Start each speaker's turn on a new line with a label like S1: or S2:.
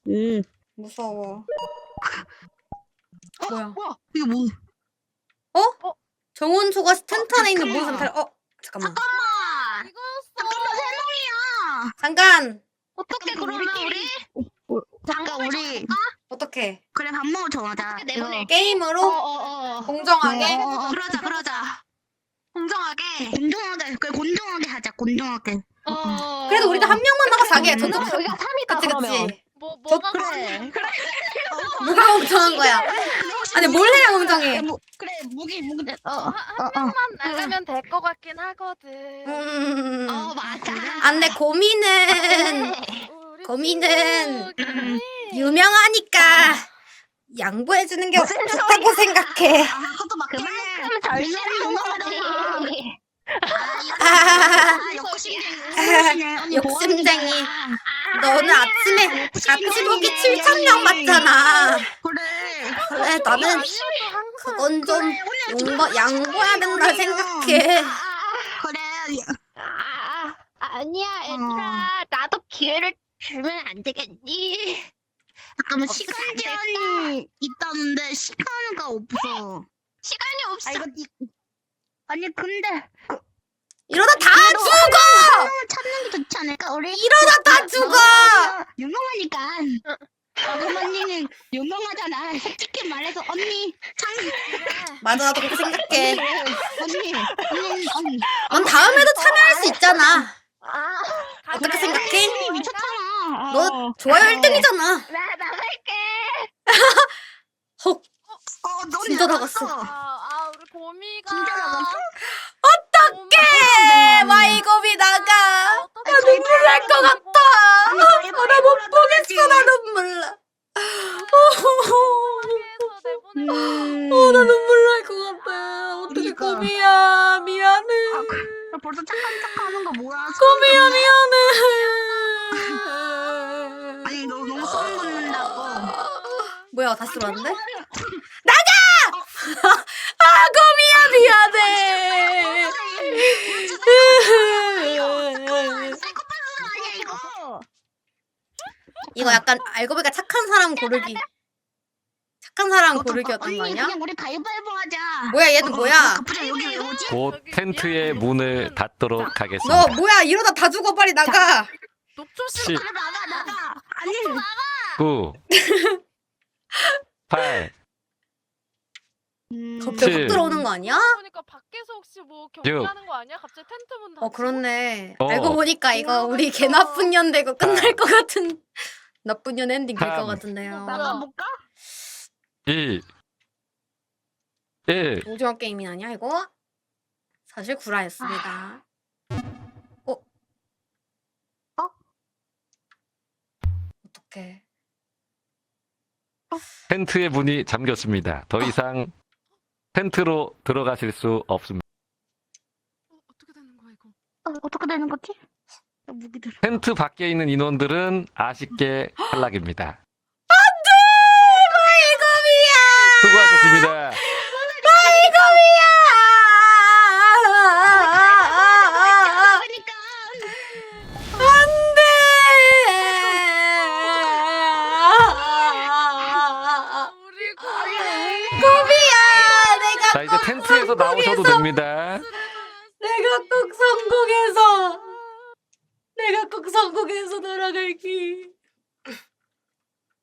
S1: 무서워.
S2: 어?
S1: 뭐야?
S2: 뭐야? 이게 뭐?
S1: 정원초가 텐트 안에 있는
S2: 잠깐만.
S1: 모든 사람. 잠깐만.
S2: 잠깐만! 잠깐만, 세 명이야!
S1: 잠깐.
S2: 어떻게 그러면 우리? 잠깐, 우리.
S1: 어떻게?
S2: 그래, 밥 먹으러 정하자.
S3: 내보내.
S1: 게임으로 공정하게.
S2: 그러자. 공정하게. 그래, 공정하게 하자, 공정하게.
S1: 그래도 우리도 한 명만 나가서 하게.
S3: 그럼
S1: 저도
S3: 여기가 3이다
S1: 그치
S3: 그러면.
S1: 그치.
S3: 뭐가
S2: 그래.
S1: 뭐가 공정한 거야? 아니 뭘 해야 공정해?
S2: 그래, 무기.
S3: 한 명만 나가면 될 것 같긴 하거든.
S2: 맞아.
S1: 안돼 고민은
S3: 우리
S1: 고민은
S3: 친구끼리.
S1: 유명하니까 양보해주는 게 좋다고 생각해.
S2: 그것도 맞긴 해.
S3: 그만큼 절실한 거지.
S1: 욕심쟁이. 너는 아침에 같이 보기 7,000명 맞잖아. 그래 나는 그건 좀 양보해야 된다 생각해.
S3: 아니야 얘들아. 나도 기회를 주면 안 되겠니?
S2: 잠깐만, 시간 제한이 있다는데 시간가 없어.
S3: 시간이 없어.
S2: 아니 근데
S1: 이러다 다 죽어.
S2: 찾는 게 좋지 않을까? 우리
S1: 이러다 다 죽어.
S2: 유명하니까. 어머니는 유명하잖아. 솔직히 말해서 언니
S1: 맞아 나도 그렇게 생각해.
S2: 언니.
S1: 넌 다음에도 참여할 수 있잖아. 어떻게 생각해?
S2: 언니 미쳤잖아.
S1: 너 좋아요 1등이잖아.
S3: 나 나갈게.
S1: 헉
S2: 너
S1: 진짜 나갔어.
S3: 우리 곰이가.
S2: 진짜 나갔어?
S1: 어떡해 마이곰이 나가. 나 눈물 날 것 같아. 나 못 보겠어. 나 눈물 나. 나 눈물 날 것 같아. 어떡해
S2: 그러니까.
S1: 곰이야 미안해.
S2: 벌써 착한 척하는 거 뭐야?
S1: 곰이야 미안해.
S2: 아니 너 너무 소름 돋는다고.
S1: 뭐야 다시 들어왔는데? 나가! 곰이야 미안해.
S2: 사이코패스 아니야 이거?
S1: 이거 약간 알고 보니까 착한 사람 고르기. 착한 사람 고르기였던 거
S2: 언니
S1: 아니야?
S2: 그냥 우리 가위바위보 하자.
S1: 뭐야 얘는 뭐야?
S2: 갑자기 여기 왜 오지?
S4: 곧 텐트의 문을 닫도록
S1: 너
S4: 하겠습니다.
S1: 뭐야 이러다 다 죽어 빨리 나가.
S3: 녹조심.
S4: 10,
S2: 나가. 아니
S4: 9, 8,
S1: 갑자기
S4: 칠.
S1: 확 들어오는 거 아니야?
S3: 보니까 밖에서 혹시 뭐 경기하는 거 아니야? 갑자기 텐트 문 닫히고.
S1: 그렇네.
S4: 어.
S1: 알고 보니까 이거 우리 개 나쁜 년 되고 끝날 것 같은 나쁜 년 엔딩 될 것
S4: 삼.
S1: 같은데요.
S2: 나가볼까?
S4: 2, 1.
S1: 오징어 게임이 아니야 이거? 사실 구라였습니다. 어떡해.
S4: 텐트의 문이 잠겼습니다. 더 이상 텐트로 들어가실 수 없습니다.
S3: 어떻게 되는 거야 이거?
S2: 어떻게 되는 거지? 무기들.
S4: 텐트 밖에 있는 인원들은 아쉽게 탈락입니다.
S1: 마이곰이야!
S4: 수고하셨습니다.
S2: 그러니까
S3: 우리 곰이.
S1: 곰이야!
S4: 자, 이제 텐트에서 나오셔도 됩니다.
S1: 내가 꼭 성공해서 돌아갈게.